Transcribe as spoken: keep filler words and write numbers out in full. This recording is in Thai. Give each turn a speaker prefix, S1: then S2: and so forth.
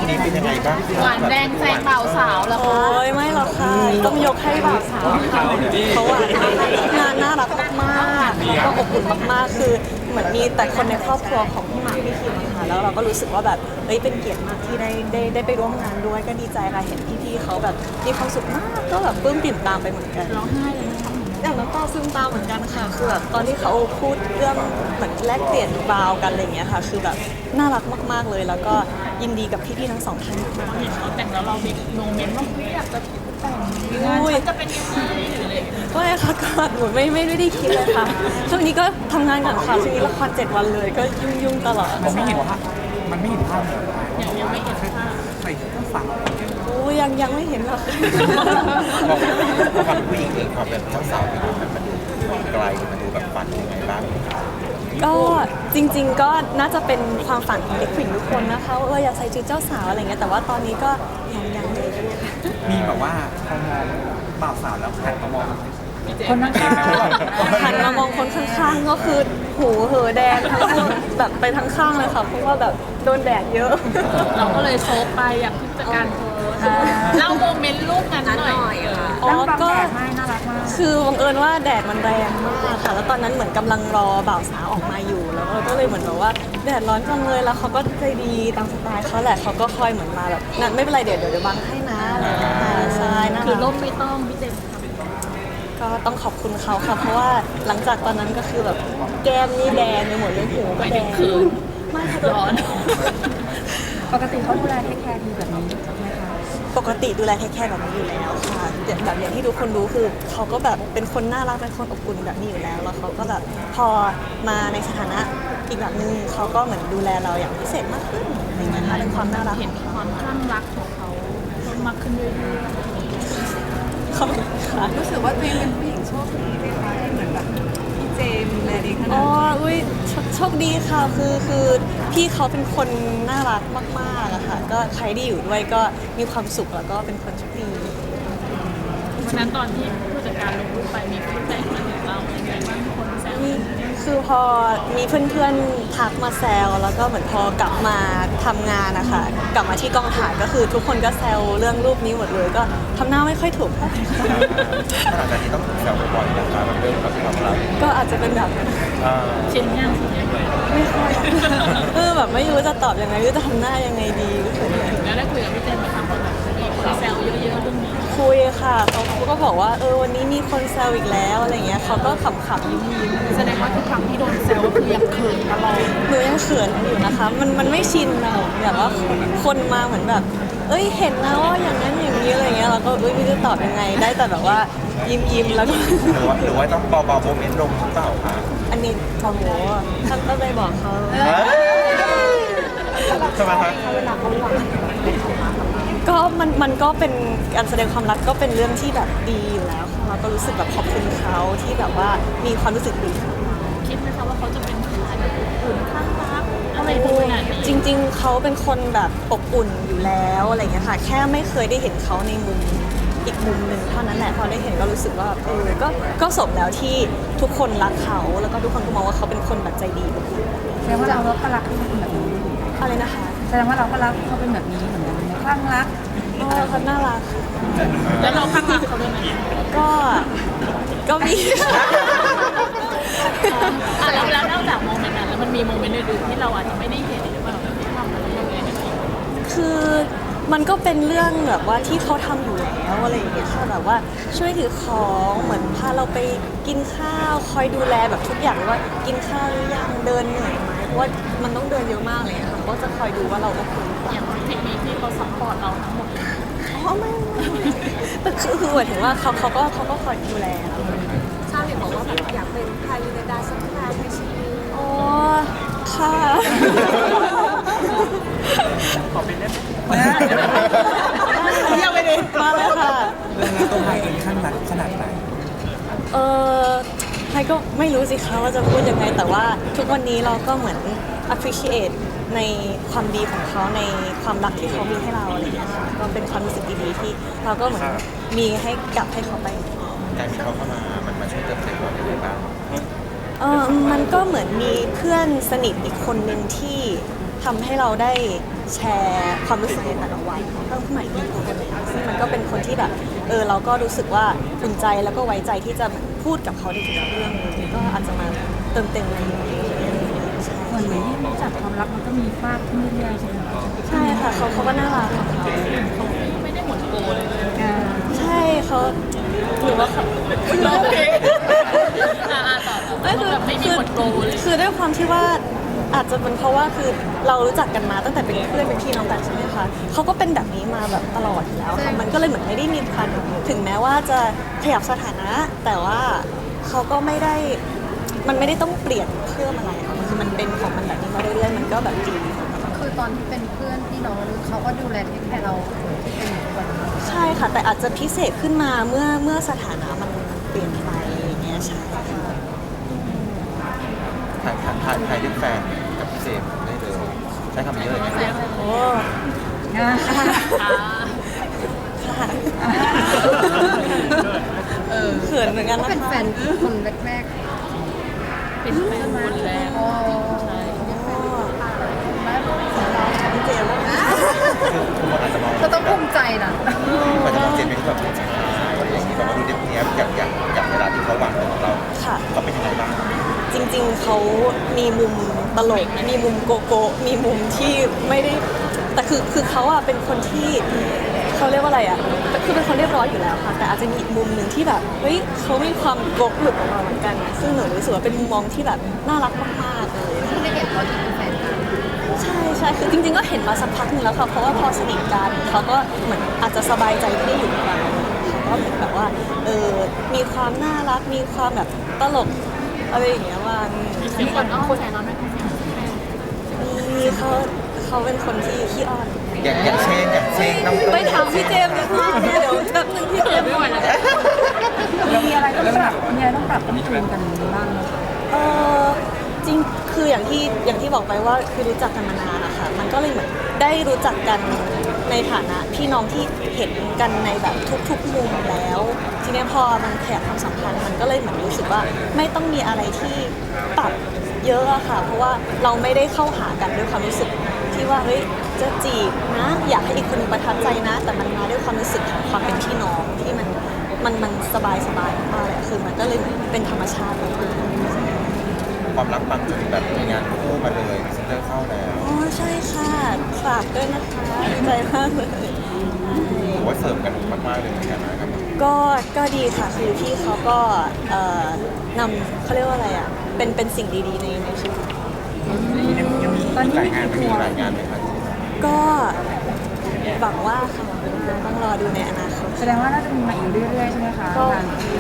S1: นี้เป็นยังไงบ้าง
S2: หวานแดงแซงบ่าวสาวแล้ว
S3: โอ้ยไม่หรอกค่ะต้องยกให้บ่าวสาวค่ะเขาอะงานน่ารักมากๆแล้วก็อบอุ่นมากๆคือเหมือนมีแต่คนในครอบครัวของพี่หมากพี่คิมอะค่ะแล้วเราก็รู้สึกว่าแบบเฮ้ยเป็นเกียรติมากที่ได้ได้ได้ไปร่วมงานด้วยก็ดีใจค่ะเห็นพี่ๆเขาแบบมีความสุขมากก็แบบปลื้มปิ่มตามไปเหมือนกัน
S2: ร้องไห้เลยนะคะ
S3: อย่างน้ำตาซึมตามเหมือนกันค่ะคือแบบตอนที่เขาพูดเรื่องเหมือนแลกเปลี่ยนบาวกันอะไรอย่างเงี้ยค่ะคือแบบน่ารักมากๆเลย แล้วก็ยินดีกับพี่ๆทั้งสองท่านมาก
S2: เห็นเขาแต่งแล้วเรามีโมเมนต์ว่าเฮ้ยอยากจะแต่งงานฉันจะเป็นยังไงหรืออะไรอย่างเงี้ย
S3: ๆก็ค่ะก็หนูไม่ไม่ได้คิดเลยค่ะช่วงนี้ก็ทำงานก่อนค่ะช่วงนี้ละครเจ็ดวันเลยก็ยุ่งๆตลอด
S4: มันไม่เห็นภาพมันไม่เห็นภาพเลย
S2: ยังยังไม่เห็นภาพ
S4: ใส่ชุดเจ้าสาว
S3: โอ้ยังยังไม่เห็นหรอก
S1: ความเป็นผู้หญิงเองความเป็นเจ้าสาวมันมันดูไกลมันดูแบบฝันยังไงบ้าง
S3: ก็จริงๆก็น่าจะเป็นความฝันของเด็กผู้หญิงทุกคนนะคะว่าเอออยากใส่ชุดเจ้าสาวอะไรเงี้ยแต่ว่าตอนนี้ก็ยังยังเลย
S4: มีแบบว่าพอมองบ่าวสาวแล้วหันมามอง
S2: คนข้าง
S3: หันมามองคนข้างๆก็คือหูเหอแดงทั้งคู่แบบไปทั้งข้างเลยค่ะเพราะว่าแบบโดนแดดเยอะ
S2: ๆเราก็เลยโซฟไปอยากที่จะการโพสเล่าโมเมนต์รูปนั้นหน่อย
S3: อ๋อก็
S2: ไม่น่ารักมาก
S3: คือบังเอิญว่าแดดมันแรงมากค่ะ แล้วตอนนั้นเหมือนกำลังรอบ่าวสาวออกมาอยู่แล้วเราก็เลยเหมือนแบบว่าแดดร้อนจังเลยแล้วเขาก็ใจดีตามสไตล์เขาแหละเขาก็คอยเหมือนมาแบบนั่นไม่เป็นไรเดี๋ยวเดี๋ยวเดี๋ยวบังให้นะอะไรอย่างเงี้ยค่ะใช่น่า
S2: คือ
S3: รัก
S2: ร่มไม่ต้องพี่เจมส์
S3: ก็ต้องขอบคุณเขาค่ะเพราะว่าหลังจากตอนนั้นก็คือแบบแก้มนี่แดงไปหมดเลยหูก็แดง
S2: คืน
S3: ไม่ค่ะ
S2: ร้อน
S5: ปกติเขาดูแลเทคแคร์ดีแบบนี้ไหมคะ
S3: ปกติดูแลเทคแคร์แบบนี้อยู่แล้วค่ะแบบอย่างที่ทุกคนรู้คือเขาก็แบบเป็นคนน่ารักเป็นคนอบอุ่นแบบนี้อยู่แล้ว แล้วเขาก็แบบพอมาในสถานะอีกแบบนึงเขาก็เหมือนดูแลเราอย่างพิเศษมากขึ้นอะไรเงี้ยค่ะเป็นความน่ารัก
S2: เห็นความคลั่งรักของเขาเพิ่มมากขึ้นเรื่อยๆ
S3: ขอบคุณค่ะ
S5: รู้สึกว่าตัวเองเป็นผู้หญิงโชคดีไหมคะที่เหมือนแบบพี่เจมส์ดูแลดีขนา
S3: อ๋
S5: ด
S3: อ
S5: นี้
S3: อุ้ยโชโชคดีค่ะคือคือพี่เขาเป็นคนน่ารักมากๆอะค่ะก็ใครที่อยู่ด้วยก็มีความสุขแล้วก็เป็นคนโชคดี
S2: วันนั้นตอนที่ผู้จัดการลงรูปไปมีฟีดแบ็กมาถึงเราอย่างไรบ้างคนแซว
S3: นี่คือพอมีเพื่อนๆทักมาแซวแล้วก็เหมือนพอกลับมาทำงานนะคะกลับมาที่กองถ่ายก็คือทุกคนก็แซวเรื่องรูปนี้หมดเลยก็ทำหน้าไม่ค่อยถูกเท่าไหร่
S1: ขนาดนี้ต้องถูกแซวบ่อยๆนะคะมันเรื่องแบบความรัก
S3: ก็อาจจะเป็นแบบ
S1: อ่า
S2: ชินย่างชินย่าง
S3: ไม่ค่อยเออแบบไม่รู้จะตอบยังไงหรือจะทำหน้ายังไงดีก็คือ
S2: แล้วได้คุยกับพี่เจมส์ไหมคะคนแบบมีคนแซวเยอะๆเรื่องนี้
S3: คุยค่ะเขาก็บอกว่าเออวันนี้มีคนแซวอีกแล้วอะไรเงี้ยเขาก็ขำๆยิ้มๆ
S2: แสดงว่าทุกครั้งที่โดนแซวก็คือยังเขินตลอด
S3: หนูยังเขินอยู่นะคะ มันมันไม่ชินอะแบบว่าคนมาเหมือนแบบ เอ้ยเห็นนะว่าอย่างนั้นอย่างนี้อะไรเงี้ยเราก็เอ้ยไม่รู้จะตอบยังไง ได้แต่แบบว่ายิ้มยิ้มๆแล้วก็
S1: หรือว่าหรือว่าต้องเบาๆโมเมนต์ลงหรือเปล่าคะ
S3: อันนี้โอ้โหท่านก็ไปบอกเขา
S1: ใช่ไหมคะ
S3: ก็มันมันก็เป็นการแสดงความรักก็เป็นเรื่องที่แบบดีอยู่แล้วค่ะเราก็รู้สึกแบบขอบคุณเขาที่แบบว่ามีความรู้สึกดี
S2: คิดไหมคะว่าเขาจะเป็นผู้ชายแบบอุ่นข้างรักอะไรพวกนั้น
S3: จริงๆ เขาเป็นคนแบบอบอุ่นอยู่แล้วอะไรอย่างเงี้ยค่ะ แค่ไม่เคยได้เห็นเขาในมุมอีกมุมหนึ่งเท่านั้นแหละ พอได้เห็นก็รู้สึกว่าเออก็ก็สมแล้วที่ทุกคนรักเขา แล้วก็ทุกคนก็มองว่าเขาเป็นคนแบบใจดีอบอุ่น
S5: แสดงว่าเราก็รักเขาเป็นแบบนี้
S3: อะไรนะคะ
S5: แสดงว่าเราก็รักเขาเป็นแบบนี้เหมือนกันไหมคลั่งรัก
S3: อ๋อเขาน่ารักค่ะ
S2: แล้วเราข้างรักเขาด้วยไหม
S3: ก็ก็มี
S2: อ่ะแล้วแล้วนอกจากโมเมนต์นั้นแล้วมันมีโมเมนต์อื่นๆที่เราอาจจะไม่ได้เห็นหรือว่าเราไม่ได้ทำอะไรยังไงกันอีก
S3: คือมันก็เป็นเรื่องแบบว่าที่เขาทำอยู่แล้วอะไรอย่างเงี้ยค่ะแบบว่าช่วยถือของเหมือนพาเราไปกินข้าวคอยดูแลแบบทุกอย่างว่ากินข้าวหรือยังเดินเหนื่อยไหมเพราะว่ามันต้องเดินเยอะมากเลยอะค่ะเขาก็จะคอยดูว่าเราโอเคหรือเปล่า
S2: อย่างเทคนิคที่เขาซัพพอร์ตเราทั้งหมดเลย
S3: อ๋อไม่ไม่ไม่แต่คือคือหมายถึงว่าเขาเขาก็เขาก็คอยดูแลเรา
S5: ชาเห็นบอกว่าแบบอยากเป็นพายุในดาสักครั้งในชีวิต
S3: อ๋อค่ะ
S4: ขอเป็นได้ไหม
S3: เยี่ยมไปดิมาเลยค่ะ
S4: เรื่องนี้ตัวไทยเองข้างรักขนาดไหน
S3: เออไทยก็ไม่รู้สิคะว่าจะพูดยังไง แต่ว่าทุกวันนี้เราก็เหมือน appreciate ในความดีของเขาในความรักที่เขามีให้เราอะไรอย่างเงี้ยค่ะก็เป็นความรู้สึกดีๆที่เราก็เหมือนมีให้กลับให้เขาไป
S1: การที่เขาเข้ามา มันมาช่วยเติมเต็มเราได้บ้าง
S3: เออมันก็เหมือนมีเพื่อนสนิทอีกคนหนึ่งที่ทำให้เราได้แชร์ความรู้สึกในแต่ละวันเพิ่มขึ้นมาอีกคนหนึ่งซึ่งมันก็เป็นคนที่แบบเออเราก็รู้สึกว่าอุ่นใจแล้วก็ไว้ใจที่จะพูดกับเขาในทุกเรื่องเลยก็อาจจะมาเติมเต็มในนี้ใช่
S5: เหมือนเหมือนที่รู้จักความรักมันก็มีฟาดขึ้นเรื่อยๆใช่ไหมคะ
S3: ใช่ค่ะเขาเขาก็น่ารักของเขา
S2: เขาไม่ได้หมดโกเลยเลย
S5: อ่า
S3: ใช่เขาหรือว่าเขา
S2: ร้องเพลงอ่าต่อ
S3: ไม่คือ
S2: แบบไม่มี
S3: คือ
S2: หมดโกเลย
S3: คือด้วยความที่ว่าอาจจะเป็นเพราะว่าคือเรารู้จักกันมาตั้งแต่เป็นเพื่อนเป็นพี่น้องกันใช่ไหมคะเขาก็เป็นแบบนี้มาแบบตลอดอยู่แล้วค่ะมันก็เลยเหมือนไม่ได้มีพันถึงแม้ว่าจะขยับสถานะ แต่ว่าเขาก็ไม่ได้มันไม่ได้ต้องเปลี่ยนเพิ่มอะไรค่ะมันคือมันเป็นของมันแบบนี้มาเรื่อยๆมันก็แบบดี
S5: คือตอนที่เป็นเพื่อนพี่น้องเขาก็ดูแลเทคแคร์เราที่เป็นอยู่ทุกวันนี้
S3: ใช่ค่ะ แต่อาจจะพิเศษขึ้นมาเมื่อเมื่อสถานะมันเปลี่ยนไปอย่างเงี้ยใช่ค่ะ
S1: ถ่ายถ่ายถ่ายถ่ายด้วยแฟนกับพี่เจมส์ได้เลยใช้คำนี้เลยไหมครับ
S3: โอ้
S5: อ่า
S3: ค่ะค่ะ
S5: เออ
S3: เขินเหมือนกัน
S5: ก็
S3: นะคะ
S5: เป็นแฟนคนแรก
S2: เป็นแฟนคนแรก
S5: ๆโอ้
S2: ใช่
S3: พี่เจมส์
S1: ทุกคนอาจจะมอง
S5: ก็ต้องภูมิใจนะ
S1: มันจะมองเจมส์เป็นแบบผู้ชายอะไรอย่างนี้แบบว่าดูเด็กเนี้ยอย่างอย่างอย่างเวลาที่เขาหวานของเรา
S3: ค่ะ
S1: เขาเป็นยังไงบ้าง
S3: จริงๆ เขามีมุมตลก มีมุมโกโก้ มีมุมที่ไม่ได้ แต่คือคือเขาอะเป็นคนที่เขาเรียกว่าอะไรอะคือเป็นคนเรียบร้อยอยู่แล้วค่ะ แต่อาจจะมีอีกมุมหนึ่งที่แบบ เฮ้ยเขามีความโกกหลุดออกมาเหมือนกันอะซึ่งหนูรู้สึกว่าเป็นมุมมองที่แบบน่ารักมากๆเลย
S5: ที่ได้เห็นตอนที่เป็นแฟนกัน
S3: ใช่ใช่คือจริงๆ ก็เห็นมาสักพักหนึงแล้วค่ะ เพราะว่าพอสนิทกันเขาก็เหมือนอาจจะสบายใจที่ได้อยู่กับเราเขาก็เหมือนแบบว่า เออ มีความน่ารัก มีความแบบตลกอะไรอย่างเงี้ยว่า
S2: มีคนอ้อนแฟนเราด้วย
S3: มีเขาเขาเป็นคนที่ขี้อ้อน
S1: อย่างอย่างเช่นอย่างเช่นต้อง
S3: ไปถามพี่เจมส์ดีกว่าเดี๋ยวแบบนึงพี่เจมส์
S2: ไม่ไหวแล้ว
S5: มีอะไรต้องปรับมีอะไรต้องปรับต้องจูนกันบ้างไหมคะ
S3: เออจริงคืออย่างที่อย่างที่บอกไปว่าคือรู้จักกันมานานนะคะมันก็เลยเหมือนได้รู้จักกันในฐานะพี่น้องที่เห็นกันในแบบทุกๆมุมแล้ว ทีนี้พอมันขยับความสัมพันธ์มันก็เลยเหมือนรู้สึกว่าไม่ต้องมีอะไรที่ปรับเยอะอะค่ะ เพราะว่าเราไม่ได้เข้าหากันด้วยความรู้สึกที่ว่าเฮ้ยจะจีบนะอยากให้อีกคนหนึงประทับใจนะ แต่มันมาด้วยความรู้สึกของความเป็นพี่น้องที่มันมันมันสบายสบายมากเลยอะคือมันก็เลยเหมือนเป็นธรรมชาติมากๆ
S1: ความรักบางจุดแบบมีงานคู่มาเลยพรีเซนเตอร์เข้าแล้ว
S3: อ๋อใช่ค่ะฝากด้วยนะคะดีใจมากเลย
S1: ถือว่าเสริมกันมากๆเลยเหมือนกันนะครับ
S3: ก็ก็ดีค่ะคือพี่เขาก็เอ่อนำเขาเรียกว่าอะไรอ่ะเป็นเป็นสิ่งดีๆในในชีวิต
S5: ตอนนี้
S1: ราย
S5: มี
S1: งาน
S5: กี่
S1: มี
S5: ตัว
S1: รายงานไหมครับ
S3: ก็หวังว่าค่ะหวังว่าต้องรอดูในอนาคต
S5: แสดงว่าน่าจะมีมาอีกเรื่อยๆใช่ไหมคะ
S3: ก็
S5: งาน